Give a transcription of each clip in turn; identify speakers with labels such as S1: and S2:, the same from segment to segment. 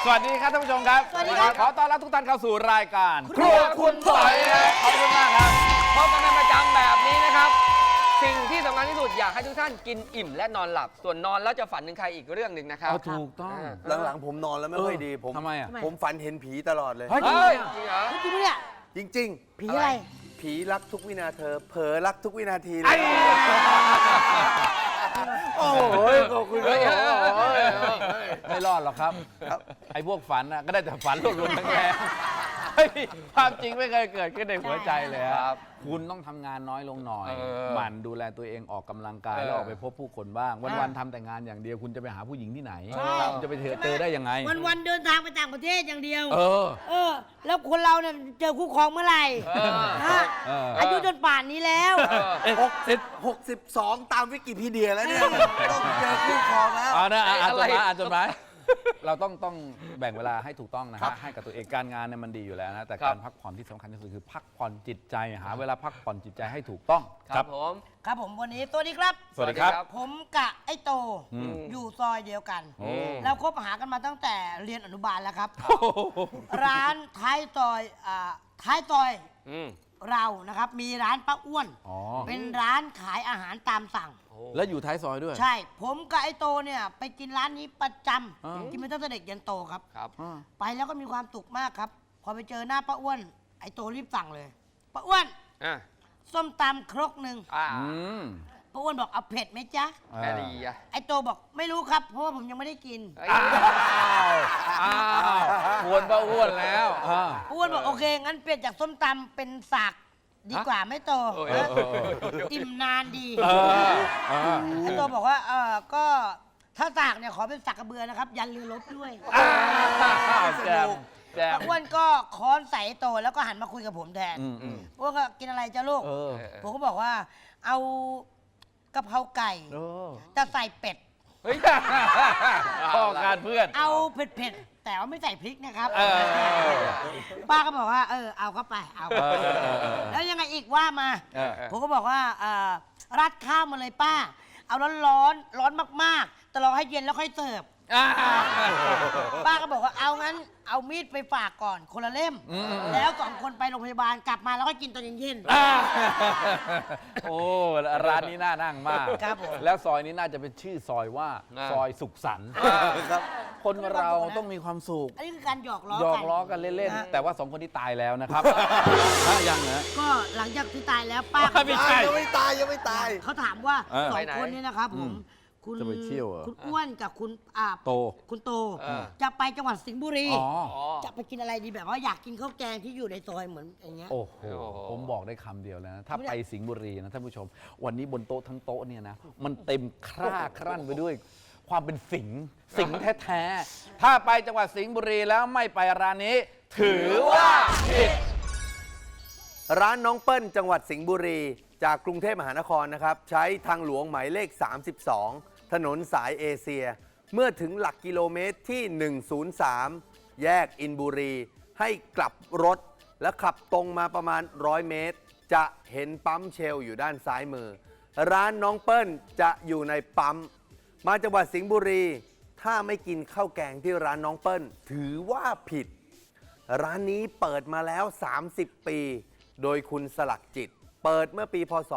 S1: สวัสดีครับท่านผู้ชมครับ
S2: สวัสดีครับ
S1: ขอต้อนรับทุกท่านเข้าสู่รายการ
S2: ครัวคุณปอยครับ
S1: ขอบคุณมากครับ
S3: พบกันเป็นประจำแบบนี้นะครับ สิ่งที่สำคัญที่สุดอยากให้ทุกท่านกินอิ่มและนอนหลับ ส่วนนอนแล้วจะฝันถึงใครอีกเรื่องหนึ่งนะครับ
S1: ถูกต้อง
S4: หลังๆผมนอนแล้วไม่ค่อยดีผม
S1: ทำไมอ่ะ
S4: ผมฝันเห็นผีตลอดเลย
S1: เฮ้ย
S3: เฮ้ยจริงเหรอ
S2: จริงปะเนี่ย
S4: จริง
S2: ผีอะไร
S4: ๆ ผีรักทุกวินาเธอ เผลอรักทุกวินาทีเล
S1: ไอ้
S4: ยโอ้ยขอบคุณครับ
S1: ไม่รอดหรอกครับ ไอ้พวกฝันน่ะก็ได้แต่ฝันหลุดๆแรงๆเฮ้ยความจริงไม่เคยเกิดขึ้นในหัวใจเลยครับคุณต้องทำงานน้อยลงหน่อย หมั่นดูแลตัวเองออกกำลังกายแล้วออกไปพบผู้คนบ้าง วันๆทำแต่งานอย่างเดียวคุณจะไปหาผู้หญิงที่ไหน
S2: ใช่
S1: คุณจะไปเจอได้ยังไง
S2: วันๆเดินทางไปต่างประเทศอย่างเดียว
S1: เออ
S2: แล้วคนเราเนี่ยเจอคู่ครองเมื่อไหร่ฮะ
S1: เออ
S2: อายุจนป่านนี้แล้ว
S4: 62 ตามวิกิพีเดียแล้วเนี่ยต้องเจอคู่ครองแล้ว
S1: เอานะอ่านจดห
S3: อะไร
S1: มายอ่านจดหมายเราต้องแบ่งเวลาให้ถูกต้องนะฮะให้กับตัวเองการงานเนี่ยมันดีอยู่แล้วนะแต่การพักผ่อนที่สำคัญที่สุดคือพักผ่อนจิตใจหาเวลาพักผ่อนจิตใจให้ถูกต้อง
S3: ครับผม
S2: ครับผมวันนี้สวัสดีครับ
S1: สวัสดีครับ
S2: ผมกะไอ้โต
S1: อืม
S2: อยู่ซอยเดียวกัน
S1: โอ้
S2: เราคบหากันมาตั้งแต่เรียนอนุบาลแล้วครับ ร้านท้ายซอยท้ายซอย
S3: อืม
S2: เรานะครับมีร้านป้าอ้วน
S1: อ๋อ
S2: เป็นร้านขายอาหารตามสั่ง
S1: แล้วอยู่ท้ายซอยด้วย
S2: ใช่ ผมกับไอ้โตเนี่ยไปกินร้านนี้ประจ
S1: อ่า
S2: ำกินมาตั้งแต่เด็กยันโตครับ
S3: ครับ
S1: อ่า
S2: ไปแล้วก็มีความสุขมากครับ พอไปเจอหน้าป้าอ้วน ไอ้โตรีบสั่งเลยป้าอ้วน
S3: อ่ะ
S2: ส้มตำครกหนึ่ง
S3: อ่า
S1: อืม
S2: ป้าอ้วนบอกเอาเผ็ดไหมจ๊ะ
S3: แค่ดีอ่ะ
S2: ไอ้โตบอกไม่รู้ครับ เพราะว่าผมยังไม่ได้กิน
S3: เอ้ย
S1: อ้าวควรป้าอ้วนแล้วอ่า
S2: ป้าอ้วนบอกโอเค งั้นเปลี่ยนจากส้มตำเป็นสากดีกว่าไหม่โต
S3: โอ้ย
S1: เออเออเออ
S2: อิ่มนานดี
S1: เออเออ
S2: ไอ้โตบอกว่าก็ถ้าสากเนี่ยขอเป็นสากกระเบือนะครับ ยันเรือรบด้วย
S1: อ้าวแจมแจม
S2: ป้าอ้วนก็ค้อนใส่ไอ้โตแล้วก็หันมาคุยกับผมแทน
S1: อืม
S2: ป้าอ้วนก็กินอะไรจ้าลูก
S1: เออ
S2: ผมก็บอกว่าเอากะเพราไก่
S1: เออ
S2: แต่ใส่เป็ด
S3: เฮ้ย
S1: พ่อการเพื่อน
S2: เอาเผ็ดๆแต่ว่าไม่ใส่พริกนะครับ
S1: เออ
S2: ป้าก็บอกว่าเอาเข้าไปเอา
S1: เออเออเออ
S2: แล้วยังไงอีกว่ามา
S1: เออ
S2: ผมก็บอกว่าราดข้าวมาเลยป้า เอาร้อนร้อนมากๆแต่รอให้เย็นแล้วค่อยเสิร์ฟ
S1: อ่า
S2: ป้าก็บอกว่าเอางั้นเอามีดไปฝากก่อนคนละเล่ม แล้วสองคนไปโรงพยาบาลกลับมาแล้วก็กินตอนเย็น
S1: อ่าโอ้ร้านนี้น่านั่งมาก
S2: ครับผม
S1: แล้วซอยนี้น่าจะเป็นชื่อซอยว่าซอยสุขสันต์
S4: ครับ
S1: คนเราต้องมีความสุข
S2: อันนี้คือการหยอกล้อ
S1: หยอก
S2: กัน
S1: ล้อกันเล่น
S2: นะ
S1: ๆ แต่ว่าสองคนที่ตายแล้วนะครับยังนะ
S2: ก็หลังจากที่ตายแล้วป้า
S1: ไม่ใช่
S4: ยังไม่ตายยังไม่ตาย
S2: เขาถามว่า
S1: เออ
S2: สองคนนี้นะครับผม คุณ
S1: จะไปเที่ยวเหรอ
S2: คุณอ้วนกับคุณ
S1: โต
S2: คุณโต
S3: เออ
S2: จะไปจังหวัดสิงห์บุรี
S1: อ๋อ
S3: อ๋อ
S2: จะไปกินอะไรดีแบบว่าอยากกินข้าวแกงที่อยู่ในซอยเหมือนอย่างเงี้ย
S1: โอ้โห
S3: โอ้โห
S1: ผมบอกได้คำเดียวแล้วนะ ถ้าไปสิงห์บุรีนะท่านผู้ชม วันนี้บนโต๊ะทั้งโต๊ะเนี่ยนะ มันเต็มครั่นไปด้วย ความเป็นสิงห์แท้ๆ ถ้าไปจังหวัดสิงห์บุรีแล้วไม่ไปร้านนี้ ถือว่าผิด
S4: ร้านน้องเปิ้ลจังหวัดสิงห์บุรี จากกรุงเทพมหานครนะครับ ใช้ทางหลวงหมายเลข 32 ถนนสายเอเชีย เมื่อถึงหลักกิโลเมตรที่ 103 แยกอินบุรี ให้กลับรถและขับตรงมาประมาณ 100 เมตร จะเห็นปั๊มเชลอยู่ด้านซ้ายมือ ร้านน้องเปิ้ลจะอยู่ในปั๊ม มาจังหวัดสิงห์บุรี ถ้าไม่กินข้าวแกงที่ร้านน้องเปิ้ล ถือว่าผิด ร้านนี้เปิดมาแล้ว 30 ปี โดยคุณสลักจิต เปิดเมื่อปีพศ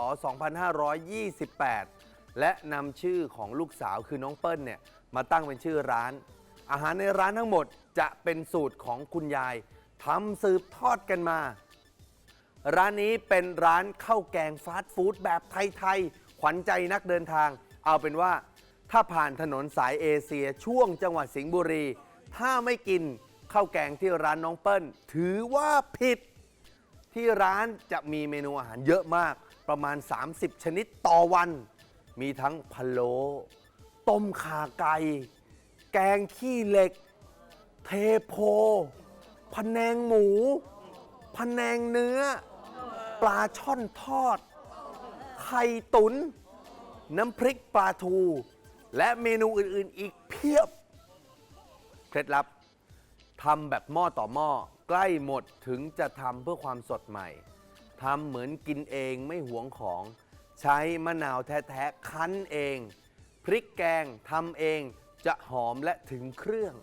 S4: 2528 และนำชื่อของลูกสาวคือน้องเปิ้ลเนี่ยมาตั้งเป็นชื่อร้าน อาหารในร้านทั้งหมดจะเป็นสูตรของคุณยายทำสืบทอดกันมา ร้านนี้เป็นร้านข้าวแกงฟาสต์ฟู้ดแบบไทยๆ ขวัญใจนักเดินทาง เอาเป็นว่าถ้าผ่านถนนสายเอเชียช่วงจังหวัดสิงห์บุรี ถ้าไม่กินข้าวแกงที่ร้านน้องเปิ้ล ถือว่าผิด ที่ร้านจะมีเมนูอาหารเยอะมากประมาณ 30 ชนิดต่อวัน มีทั้งพะโล้ต้มข่าไก่ แกงขี้เหล็ก เทโพพะแนงหมูพะแนงเนื้อ ปลาช่อนทอด ไข่ตุน น้ำพริกปลาทู และเมนูอื่นๆอีกเพียบ เคล็ดลับทำแบบหม้อต่อหม้อใกล้หมดถึงจะทำเพื่อความสดใหม่ทำเหมือนกินเองไม่หวงของ ใช้มะนาวแท้ๆคั้นเอง พริกแกงทำเองจะหอมและถึงเครื่อง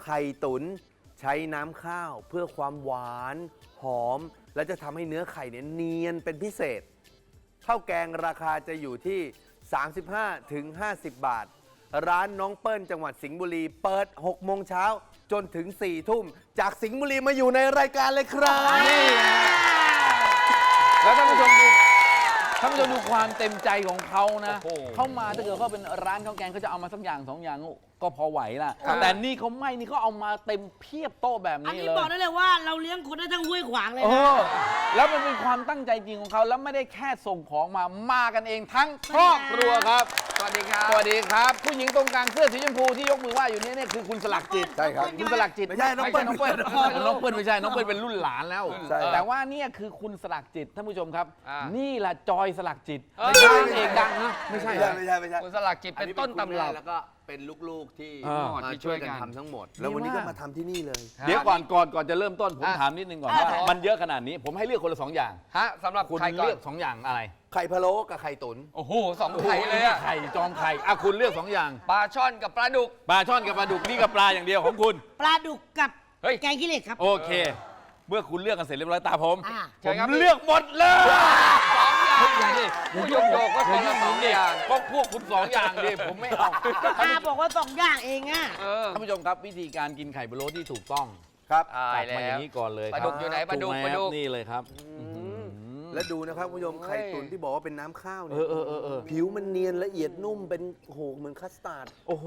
S4: ไข่ตุ๋นใช้น้ำข้าวเพื่อความหวานหอม และจะทำให้เนื้อไข่เนี่ยเนียนเป็นพิเศษข้าวแกงราคาจะอยู่ที่ 35 ถึง 50 บาท ร้านน้องเปิ้ลจังหวัดสิงห์บุรีเปิด 6 โมงเช้าจนถึง 4 ทุ่ม จากสิงห์บุรีมาอยู่ในรายการเลยครับ
S1: นี่นะแล้วท่านผู้ชมดูความเต็มใจของเขานะ
S3: โอ้โห
S1: เขามาถ้าเกิดเขาเป็นร้านข้าวแกงเขาจะเอามาสักอย่างสองอย่างก็พอไหวละ
S3: ครับ
S1: แต่นี่เขาไม่นี่เขาเอามาเต็มเพียบโต๊ะแบบ
S2: อัน
S1: นี้
S2: นี้
S1: เลย
S2: บอกได้เลยว่าเราเลี้ยงคนได้ทั้งห้วยขวางเลย
S1: เอ
S2: นะ
S1: อแล้วมันเป็นความตั้งใจจริงของเขาแล้วไม่ได้แค่ส่งของมากันเองทั้งครอบครัวครับ
S3: สวัสดีครับ
S1: สวัสดีครับ ผู้หญิงตรงกลางเสื้อสีชมพูที่ยกมือไหว้อยู่นี่คือคุณสลักจิต
S4: ใช่ครับ
S1: คุณสลักจิต
S4: ไม่ใช่น้องเปิ้ล
S1: น้องเปิ้ลน้องเปิ้ลไม่ใช่น้องเปิ้ลเป็นรุ่นหลานแล้ว
S4: ใช่
S1: แต่ว่าเนี่ยคือคุณสลักจิตท่านผู้ชมครับ
S3: อ่า
S1: นี่แหละจอยสลักจิต
S3: เอ้ย
S1: ไม่ใช่นางเอกดังนะไม่ใช่
S4: ไม่ใช่ไม่ใช่
S3: คุณสลักจิตเป็นต้นตำรับ
S4: แล้วก็เป็นลูกๆที่
S1: เออ
S4: มาช่วยกันทำทั้งหมด แล้ววันนี้ก็มาทำที่นี่เลย
S1: เดี๋ยวก่อนจะเริ่มต้นผม
S3: อ่ะ
S1: ถามนิดนึงก่อนว่า
S3: อ่ะ
S1: มันเยอะขนาดนี้ผมให้เลือกคนละสองอย่าง
S3: ฮะสำหรับ
S1: คุณ
S3: ใครก่อ
S1: เลื
S3: น
S1: อกสองอย่างอะไร
S4: ไข่พะโล้กับไข่ตุ๋น
S3: โอ้โหสองไข่เลยอะ
S1: ไข่จอมไข่อ่ะคุณเลือกสองอย่าง
S3: ปลาช่อนกับปลาดุก
S1: ปลาช่อนกับปลาดุกนี่กับปลาอย่างเดียวของคุณ
S2: ปลาดุกกับ
S3: เฮ้ย
S2: แกงขี้เหล็กครับ
S1: โอเค เมื่อคุณเลือกกันเสร็จเรียบร้อยตาผม
S2: อ่า
S3: เชิ
S1: ผ
S3: ญครับ
S1: มเลือกหมดเลย
S3: สองอย่างผู้โยกก็คนละสองอย่าง
S1: ก็พวกคุณสองอย่างดิผมไม่เอา
S2: อาบอกว่า2 อย่างเองอ่ะ
S3: เออ
S1: ท่านผู้ชมครับวิธีการกินไข่พะโล้ที่ถูกต้อง
S4: ครับ
S3: ตาย
S1: จัดมาอ
S3: แล้
S1: ย่าว งนี้ก่อนเลยค
S3: ป
S1: รับ
S3: ลาดุกอยู่ไหนปลาดุก
S1: ถูไหม
S3: ปลาดุก
S1: นี่เลยครับ
S4: และดูนะครับคุณผู้ชมไข่ตุ๋นที่บอกว่าเป็นน้ำข้าวเนี่
S1: เออ
S4: ผิวมันเนียนละเอียดนุ่มเป็นโหเหมือนคัสตาร์ด
S1: โอ้โห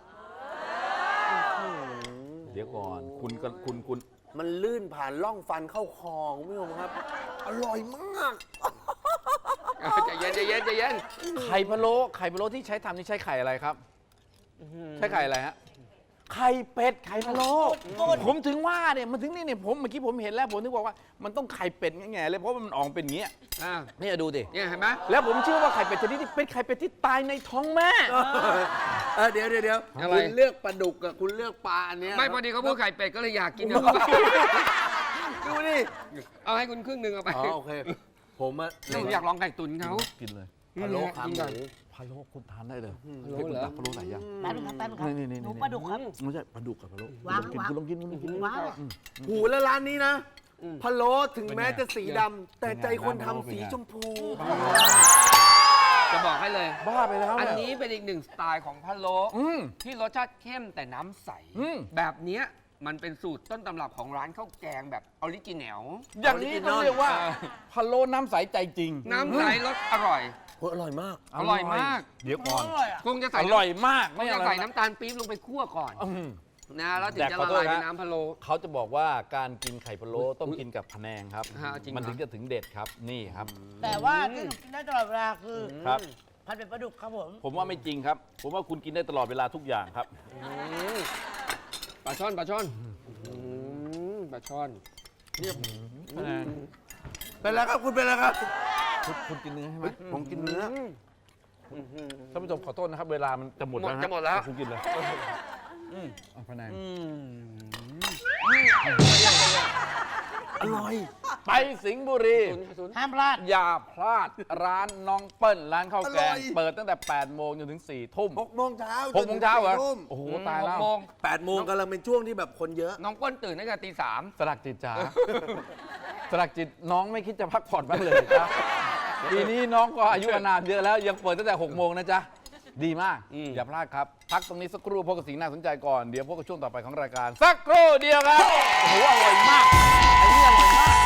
S1: เดี๋ยวก่อนคุณ
S4: มันลื่นผ่านร่องฟันเข้าคอคุณผู้ชมครับ อร่อยมาก
S3: ใจเย็นใจเย็นใจเย็น
S1: ไข่พะโล้ที่ใช้ทำนี่ใช้ไข่อะไรครับใช้ไข่อะไรฮะไข่เป็ดไข่พะโล้ผมถึงว่าเนี่ยมันถึงนี่เนี่ยผมเมื่อกี้ผมเห็นแล้วผมถึงบอกว่ามันต้องไข่เป็ดแง่ๆเลยเพราะมันออกเป็นอย่างเงี้ย
S3: อ่า
S1: นี่ดูดิ
S3: เนี่ยเห็นไหม
S1: แล้วผมเชื่อว่าไข่เป็ดชนิดนี้เป็นไข่เป็ดที่ตายในท้องแม่
S4: เดี๋ยวคุณเลือกปลาดุกกับคุณเลือกปลาอันเนี้ย
S3: ไม่พอดีเขาพูดไข่เป็ดก็เลยอยากกิน
S4: ดูนี่
S3: เอาให้คุณครึ่งหนึ่งเอาไป
S4: อ๋อโอเค ผมอะ
S3: ผมอยากลองไก่ตุ๋นเขา
S1: กินเลย
S4: พะโล้ขาห
S3: กินก่อน
S4: มู
S1: พะโล้คุณทานได้เลย
S3: พะโล้เหรอ
S1: พะโล้ไหนยัง
S2: แป๊บนึงครับแป๊บนึงครับ
S1: นี่
S2: หนูปลาดุกครับ
S1: ไม่ใช่ปลาดุกกับพะโล้
S2: วาง
S1: คุณลองกิน
S2: ว้าว
S4: หูแล้วร้านนี้นะพะโล้ถึงแม้
S1: เป็นไง
S4: จะสีดำแต่ใจคนทำสีชมพู
S3: จะบอกให้เลย
S1: บ้าไปแล้ว
S3: อัน
S1: เย
S3: นี้เป็นอีกหนึ่งสไตล์ของพะโล้
S1: อืม
S3: ที่รสชาติเข้มแต่น้ำใส
S1: อืม
S3: แบบเนี้ยมันเป็นสูตรต้นตำรับของร้านข้าวแกงแบบออริจินัล
S1: อย่างนี้ต้องเรียกว่าพะโล้น้ำใสใจจริง
S3: น้ำใสรสอร่อย
S4: โอ้ยอร่อยมาก
S3: อร่อยมาก
S1: เดี๋ยวก่อน
S3: คงจะ
S1: อ
S3: ใส่
S1: ร่อยมาก
S3: คงจะใส่น้ำตาลปี๊บลงไปคั่วก่อน
S1: อืม
S3: นะแล้วถึง
S1: แต่
S3: จะ
S1: ขอ
S3: ละ
S1: โทษ
S3: ลาย
S1: นะ
S3: เป็นน้ำพะโล้
S1: เขาจะบอกว่าการกินไข่พะโล้ต้องกินกับพะแนงครับ
S3: ฮะจริงเหรอ
S1: มันถึงจะถึงเด็ดครับนี่ครับ
S2: แต่ว่าที่หนูกินได้ตลอดเวลาคือ
S1: ครับ
S2: ผัดเป็ดปลาดุกครับผม
S1: ผมว่าไม่จริงครับ ผมว่าคุณกินได้ตลอดเวลาทุกอย่างครับ
S3: ปลาช่อนปลาช่อนปลาช่อน
S4: เป็นแล้วครับคุณเป็นแล้วครับ
S1: คุณกินเนื้อใช่ไหม
S4: ผมกินเนื้อ
S1: ท่านผู้ชมขอโทษนะครับ เวลามันจะหมดแล้วฮ
S3: จะหมดแล้ว
S1: คุณกินเลยเอาพะแนง
S4: อร่อย
S1: ไปสิงห์บุรี
S2: ห้ามพลาด
S1: อย่าพลาดร้านน้องเปิ้ลร้านข้าวแก
S4: อร่
S1: ง
S4: อย
S1: เปิดตั้งแต่ 8 โมงจนถึง 4 ทุ่ม
S4: 6 โมงเช้า
S1: 6 โมงเช้าเหรอ
S4: จนถึง4ทุ่ม
S1: โอ้โห ตายแล้ว
S3: 6 โมง
S4: 8 โมงกำลังเป็นช่วงที่แบบคนเยอะ
S3: น้องเปิ้ลตื่นตั้งแต่ตี 3
S1: สลักจิตจ๋า สลักจิตน้องไม่คิดจะพักผ่อนบ้างเลยจ้ะปีนี้น้องก็อายุอานามเยอะแล้ว ยังเปิดตั้งแต่ 6 โมงนะจ๊ะ ดีมาก อย่าพลาดครับ พักตรงนี้สักครู่พบกับสิ่งน่าสนใจก่อน เดี๋ยวพบกับช่วงต่อไปของรายการ สักครู่เดียวครับ โอ้โห อร่อยมากอันนี้อร่อยมาก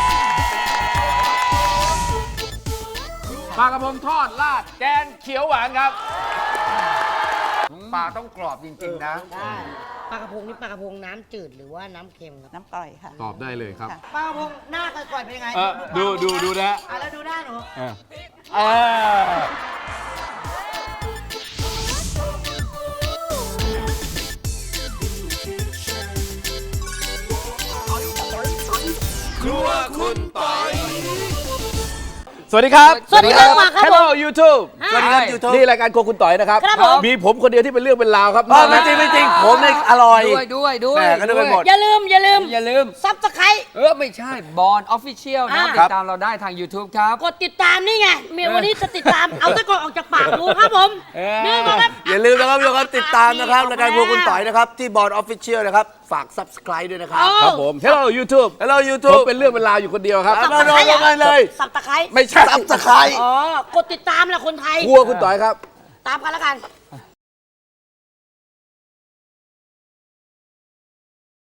S1: ปลากระพงทอดราดแกงเขียวหวานครับ
S3: ปลาต้องกรอบจริงๆนะ
S2: ได้ปลากระพงนี่ปลากระพงน้ำจืดหรือว่าน้ำเค็มครับ
S5: น้ำปล่อยค่ะ
S1: ตอบได้เลยครับ
S2: ปลากระพงหน้าก่อยๆเป็นยังไง
S1: ดูนะ
S2: อ่ะแล้วดูหน้าหนู
S1: เออครัวคุณปอยสวัสดีครับ
S2: สวัสดีครับมาครับ
S1: Hello YouTube
S2: ฮะ
S4: สวัสดีครับยูทูบ
S1: นี่รายการโครัวคุณต่อยนะครับ
S2: ครับผม
S1: มีผมคนเดียวที่เป็นเรื่องเป็นราวครับ
S4: ไม่จริงไม่จริงผมเนี่ยอร่อย
S3: ด้วย
S4: แหม่ก็นึกไปหมด
S2: อย่าลืม
S3: อย่าลืม
S2: ซับสไครต์
S3: ไม่ใช่บอลออฟฟิเชียลนะครับ
S2: อ่า
S3: ติดตามเราได้ทาง YouTube ครับ
S2: กดติดตามนี่ไงเมียวันนี้จะติดตาม เอาตะกอนออกจากปากรู้ครับผม นี่ครับ
S4: อย่าลืมนะครับทุกคนติดตามนะครับรายการพวกคุณต่อยนะครับที่บอร์ดออฟฟิเชียลนะครับฝาก subscribe ด้วยนะครับ
S1: ครับผม Hello YouTube
S4: Hello
S1: ผม
S4: YouTube
S1: เป็นเรื่องเป็นราวอยู่คนเดียวครับ
S4: มาโดนกันเลย
S2: สับตะไคร้
S1: ไม่ใช่
S4: subscribe
S2: อ๋อ กดติดตามแหละคนไทย
S1: ครัวคุณต่อยครับ
S2: ตามกันแล้วกัน